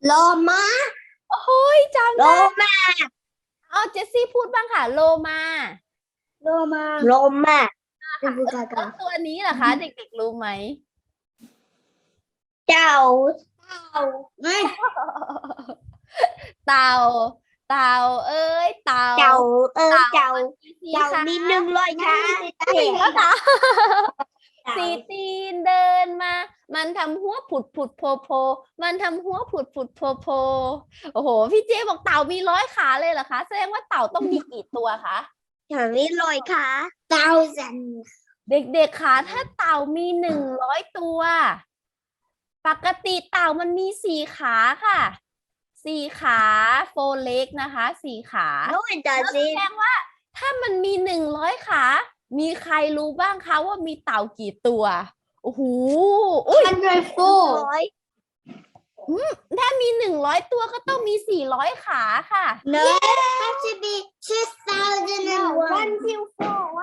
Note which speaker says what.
Speaker 1: โลมา
Speaker 2: โอ้ยจำ
Speaker 1: โล
Speaker 2: ได้
Speaker 1: มา
Speaker 2: เอาเจสซี่พูดบ้างค่ะโลมา
Speaker 1: โลมาโลมาเป็นผู้กา
Speaker 2: แล้ว
Speaker 1: กา
Speaker 2: ตัวนี้เหรอคะเด็กๆรู้ไหม
Speaker 1: เจ้าเต่าไม่
Speaker 2: เต่าเต่าเอ้ยเต่า
Speaker 1: เจ้า
Speaker 2: เต่า
Speaker 1: เจ้า
Speaker 2: มันมีสี
Speaker 1: เจ้า
Speaker 2: ขา
Speaker 1: มี100ขา
Speaker 2: จริงแล้วค่ะ
Speaker 1: เต่า
Speaker 2: สีตีนเดินมา มันทำหัวผุดผุดโผล่โผล่มันทำหัวผุดผุดโผล่โผล่โอ้โหพี่เจ๊บอกเต่ามี100 ขาเลยเหรอคะแสดงว่าเต่าต้องมีกี่ตัวคะ
Speaker 1: เจ้ามี100 ขา1,000
Speaker 2: เด็กๆคะถ้าเต่ามี100 ตัวปกติเต่ามันมี4 ขาค่ะ4 ขาโฟเล็กนะคะ4 ขา
Speaker 1: โน้ยจ้า
Speaker 2: แล้ว
Speaker 1: สิ
Speaker 2: แสดงว่าถ้ามันมี100 ขามีใครรู้บ้างคะว่ามีเต่ากี่ตัวโอ้โหอุ้ย
Speaker 1: 104
Speaker 2: ถ้ามี100 ตัวก็ต้องมี400 ขาค่ะ
Speaker 1: เนอะ